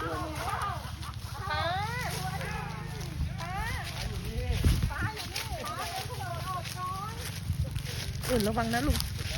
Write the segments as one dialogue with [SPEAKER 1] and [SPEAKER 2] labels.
[SPEAKER 1] อุ่นระวังนะลูก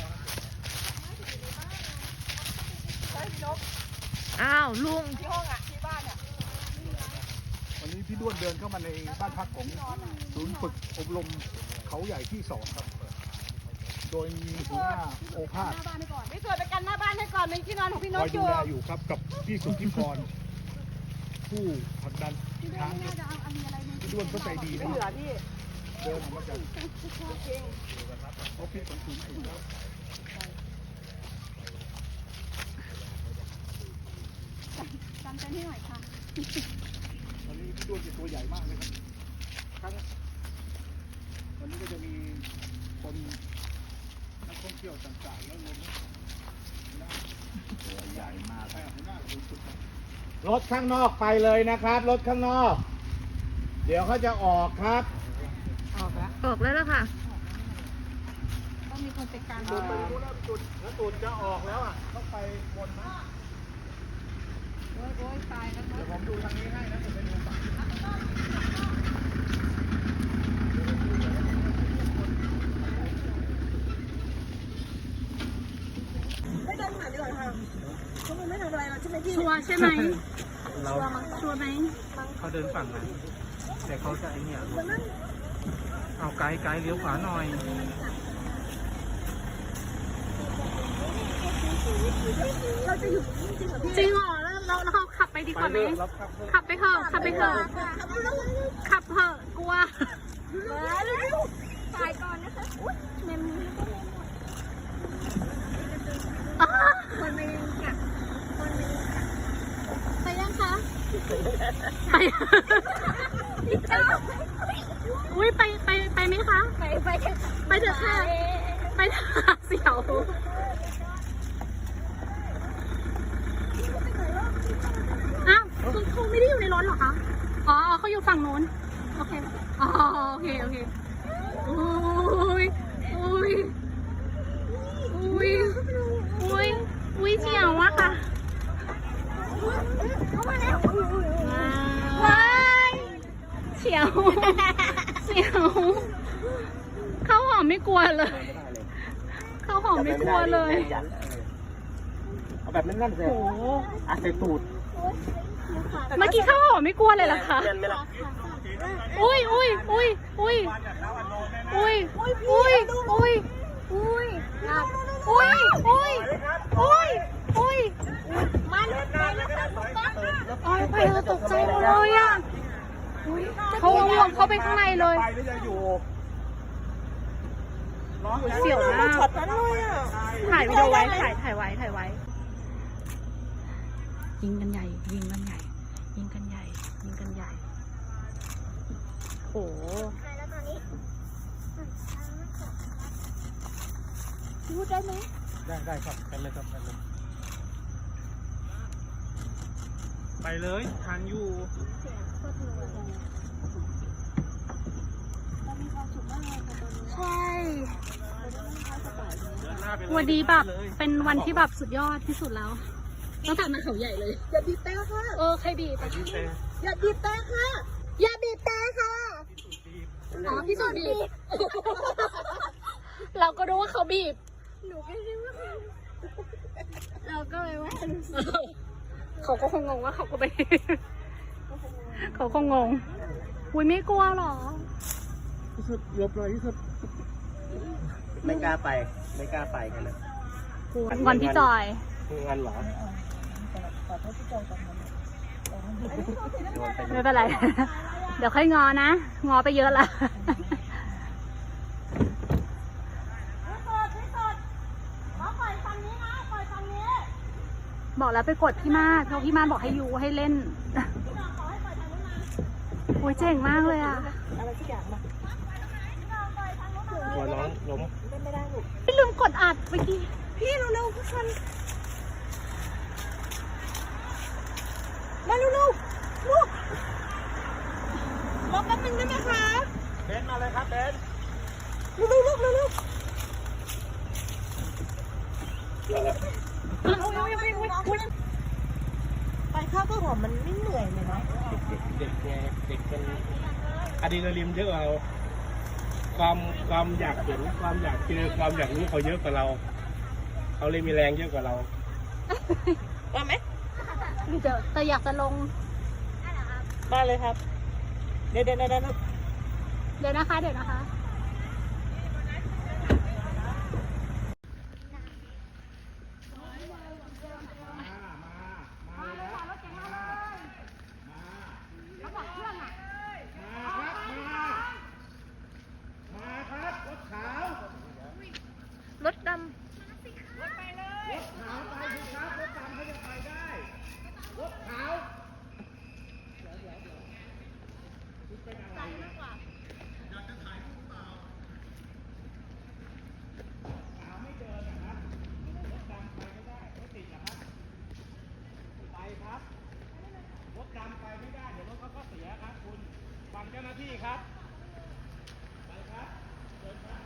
[SPEAKER 1] อ้าวลุงที่ห้องอ่ะที่บ้านเนี่ย
[SPEAKER 2] วันนี้พี่ด้วนเดินเข้ามาในบ้านพักของศูนย์ฝึกอบรมเขาใหญ่ที่2ครับโดยมีหัวหน้าโอภาส
[SPEAKER 3] พี่สวยไปกันหน้าบ้านให้ก่อนเป็นที่นอนของพี่น
[SPEAKER 2] ค
[SPEAKER 3] ก
[SPEAKER 2] อย
[SPEAKER 3] อ
[SPEAKER 2] ดู
[SPEAKER 3] ยู่
[SPEAKER 2] แลอยู่ครับกับพี่สุทธิพรผู้ผลักดันช้างพี่ด้วนก็ใจดีนะครับเดินออกมาจากออฟฟิศของศูนย์ฝึกแล้ว
[SPEAKER 3] จำใจให้หน่อยค่ะ
[SPEAKER 2] วันนี้พี่ด้วนเป็นตัวใหญ่มากเลยครับวันนี้ก็จะมีคนนักท่องเที่ยวต่างๆแล้วรวมตัวใหญ่มากรถข้างนอกไปเลยนะครับรถข้างนอกเดี๋ยวเขาจะออกครับ
[SPEAKER 1] ออกแล้วล่ะค่ะ
[SPEAKER 3] ต้องมีคนจัดการ
[SPEAKER 2] ดูแล้วจุดจะออกแล้วอ่ะต้องไปบนนะ
[SPEAKER 3] โอ้ยตายแล้ว
[SPEAKER 2] เดี๋ยวผมดูทางนี้ให้นะผมไปดูฝั่ง
[SPEAKER 3] ไม่เดินผ่านดีกว่าค่ะเขาไม่ทำอะไรเราใช่ไหมพี่
[SPEAKER 1] ชัวร์ใช่ไหม
[SPEAKER 4] เรา
[SPEAKER 1] ชัวร์ไหม
[SPEAKER 4] เขาเดินฝั่งนั้นแต่เขาจะไอเนี่ยเอาไกด์เลี้ยวขวาหน่อย
[SPEAKER 3] เราจะอยู่จริงเหรอพี่
[SPEAKER 1] จริงเหรอแล้วเราขับไปดีกว่าไหมขับไปเถอะขับเถอะกลัว
[SPEAKER 3] ตายก่อนนะคะเมมคนไม่กัดคนไม่กัดไปยังคะ
[SPEAKER 1] ไปอุ้ยไปไหมคะไปเถอะค่ะไปเถอะเสี่ยวอ้าวเขาไม่ได้อยู่ในรถหรอคะอ๋อเขาอยู่ฝั่งนู้นโอเคอ๋อโอเคอุ้ยเสี่ยวอะค่ะว้ายเสี่ยวข้าวหอมไม่กลัวเลยข้าวหอมไม่กลัวเลย
[SPEAKER 2] เอาแบบนั่นๆเลย
[SPEAKER 1] โอ้
[SPEAKER 2] อาเซตูด
[SPEAKER 1] เมื่อกี้ข้าวหอมไม่กลัวเลยเหรอคะอุ้ยไปเราตกใจเลยอ่ะเขาลงเข้าไปข้างในเลยเสี่ยวมากถ่ายวิดีโอไว้ถ่ายไว้ยิงกันใหญ่โอ้
[SPEAKER 3] พูดได้ไหม
[SPEAKER 4] ได้ครับกันเลยไปเลยทางอยู่
[SPEAKER 1] ใช่วันนี้แบบเป็นวันที่แบบสุดยอดที่สุดแล้วตั้งแต่มาเขาใหญ่เลย
[SPEAKER 3] อย่าบีบแต่ค่ะ
[SPEAKER 1] ใครบีบ
[SPEAKER 3] อย่าบีบแต่ค่ะอย่าบีบแต่ค่ะ
[SPEAKER 1] อ๋อพี่สุดบีบเราก็รู้ว่าเขาบีบ
[SPEAKER 3] หนูก็รู้ว่าเราก็เลยว่า
[SPEAKER 1] เขาก็คงงงว่าเขาก็ไปเขาคงงงอุ้ยไม่กลัวหรอ
[SPEAKER 2] ที่สุดหลบเลยที่สุด
[SPEAKER 4] ไม่กล้าไปกันเลย
[SPEAKER 1] งอนพี่จอย
[SPEAKER 4] งอนเหรอ
[SPEAKER 1] ไม่เป็นไรเดี๋ยวค่อยงอนะงอไปเยอะละบอกแล้วไปกดพี่มาศเขาพี่มาศบอกให้ยูให้เล่นโอ้ยเจ๋งมากเลยอ่ะ
[SPEAKER 3] อะไรสักอย่างมา
[SPEAKER 4] ตัวน้องล้ม
[SPEAKER 3] ไม่ได้ลูก
[SPEAKER 1] พี่ลืมกดอัดเมื่อกี้
[SPEAKER 3] พี่เร็วๆทุกคนมาเร็วๆลูกรอแป๊บนึงได้ไหมคะ
[SPEAKER 4] เบนมาเลยครับเบน
[SPEAKER 3] เร็วๆลูกเร็วๆไปค่ะข้าวก็หอมมันไม่เหนื่อยเลยเนาะ
[SPEAKER 2] เด็กไงเด็กมันอะดรีนาลีนเยอะกว่าเราความอยากเห็นความอยากเจอความอยากรู้เขาเยอะกว่าเราเขาเลยมีแรงเยอะกว่าเรา
[SPEAKER 3] ว่าไหม
[SPEAKER 1] เดี๋ยวแต่อยากจะลง
[SPEAKER 3] มาเลยครับ เดี๋ยว
[SPEAKER 1] เดี๋ยวนะคะ เดี๋ยวนะคะ
[SPEAKER 2] มาครับรถขาว
[SPEAKER 3] รถด
[SPEAKER 2] รถขาวไปสิครับรถดำเขาจะไปได้รถขาวไปครับรถดำไปไม่ได้เดี๋ยวรถเขาก็เสียครับคุณฟังเจ้าหน้าที่ครับไปครับเดินครับ